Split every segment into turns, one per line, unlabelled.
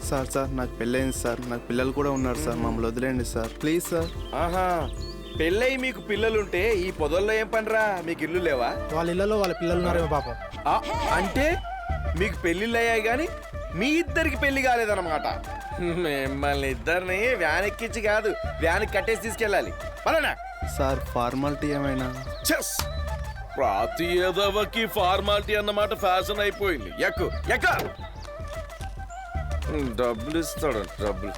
Sir నాకు పెళ్ళైంది sir, నాకు పిల్లలు కూడా ఉన్నారు సార్, మమ్మల్ని వదిలేండి సార్ ప్లీజ్ సార్.
ఆహా, పెళ్ళై మీకు పిల్లలుంటే ఈ పొదల్లో ఏం పనిరా? మీకు ఇల్లు లేవా?
వాళ్ళ ఇళ్లలో వాళ్ళ పిల్లలు ఉన్నారేమో పాపం.
ఆ, అంటే మీకు పెళ్ళిళ్ళు అయ్యాయి కానీ మీ ఇద్దరికి పెళ్లి కాలేదన్నమాట. మిమ్మల్ని ఇద్దరిని వ్యాన్ ఎక్కించి కాదు, వ్యాన్ కట్టేసి తీసుకెళ్ళాలి. పలానా
సార్ ఫార్మాలిటీ ఏమైనా?
చెస్ ప్రతి ఎదవకి ఫార్మాలిటీ అన్నమాట ఫ్యాషన్ అయిపోయింది. ఎక్కు ఎక్క డబ్బులు ఇస్తాడు డబ్బులు.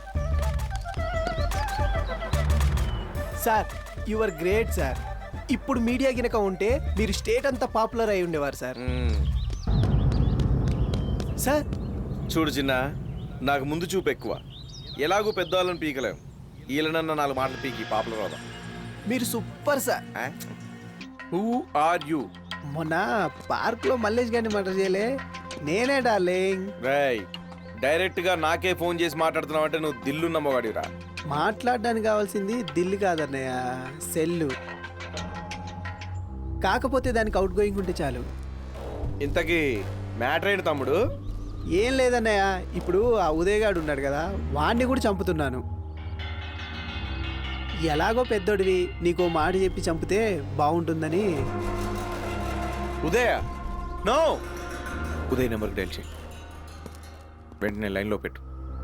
Sir your great sir. ఇప్పుడు మీడియా గినక ఉంటే మీరు స్టేట్ అంతా పాపులర్ అయి ఉండేవారు సార్. సార్
చూడు చిన్న, నాకు ముందు చూపు ఎక్కువ. ఎలాగూ పెద్దవాళ్ళని పీకలేం. వీళ్ళనన్న 4 మాటలు పీకి పాపులర్ అవుదాం.
మీరు super sir.
Who are you?
మొన్న పార్క్ లో మల్లేష్ గారిని మర్డర్ చేయలే నేనే డార్లింగ్.
రేయ్, డైరెక్ట్ గా నాకే ఫోన్ చేసి మాట్లాడుతున్నావు అంటే నువ్వు దిల్లున్న మొగాడిరా.
మాట్లాడడానికి కావాల్సింది దిల్లు కాదన్నయ్య, సెల్లు. కాకపోతే దానికి అవుట్ గోయింగ్ ఉంటే చాలు.
ఇంతకీ మ్యాటర్ ఏంటి తమ్ముడు?
ఏం లేదన్నయ్య, ఇప్పుడు ఆ ఉదయగాడు ఉన్నాడు కదా, వాడిని కూడా చంపుతున్నాను. ఎలాగో పెద్దోడివి, నీకో మాట చెప్పి చంపితే బాగుంటుందని.
ఉదయ నో, ఉదయ్ నెంబర్కి డైల్ చేయి, వెంటనే లైన్లో పెట్టు.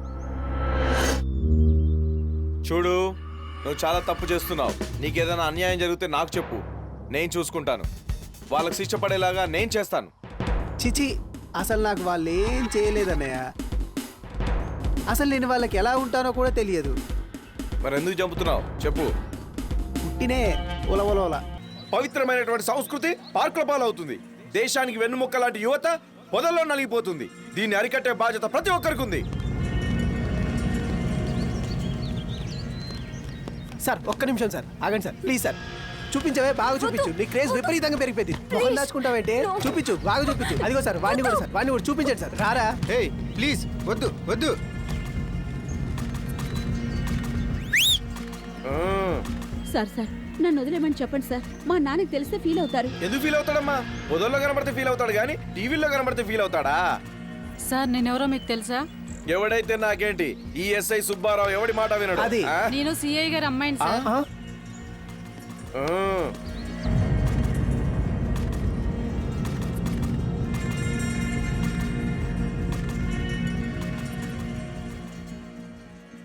చూడు, నువ్వు చాలా తప్పు చేస్తున్నావు. నీకేదైనా అన్యాయం జరిగితే నాకు చెప్పు, నేను చూసుకుంటాను. వాళ్ళకి శిక్ష పడేలాగా నేను చేస్తాను.
చిచి, అసలు నాకు వాళ్ళు ఏం చేయలేదన్నయ్య. అసలు నేను వాళ్ళకి ఎలా ఉంటానో కూడా తెలియదు.
మరి ఎందుకు చంపుతున్నావు చెప్పు.
పుట్టినే ఉలవలోల.
పవిత్రమైనటువంటి సంస్కృతి పార్కుల పాలవుతుంది. దేశానికి వెన్నుముక్క లాంటి యువత పొదల్లో నలిగిపోతుంది. దీన్ని అరికట్టే బాధ్యత ప్రతి ఒక్కరికి ఉంది.
సార్ ఒక్క నిమిషం సార్, ఆగండి సార్ ప్లీజ్ సార్. చూపించవే, బాగా చూపించు. నీ క్రేజ్ విపరీతంగా పెరిగిపోయింది. మొహం దాచుకుంటావంటే చూపించు, బాగా చూపించు. అదిగో సార్, వాడిని కూడా సార్, వాడిని కూడా చూపించండి సార్. రారా?
హే ప్లీజ్ వద్దు వద్దు.
సార్ నన్ను వదిలేమని చెప్పండి సార్. మా నాన్నకి తెలిస్తే ఫీల్ అవుతారు.
ఎందుకు ఫీల్ అవుతాడమ్మా? పొదల్లో కనబడితే ఫీల్ అవుతాడు కానీ టీవీలో కనబడితే ఫీల్ అవుతాడా?
సార్ నేనెవరో మీకు తెలుసా?
ఎవడైతే నాకేంటి, ఈ ఎస్ఐ సుబ్బారావు ఎవడి మాట వినడు.
అది.
ఆ?
నేను సిఐ గారి అమ్మాయిని సార్.
ఆహా.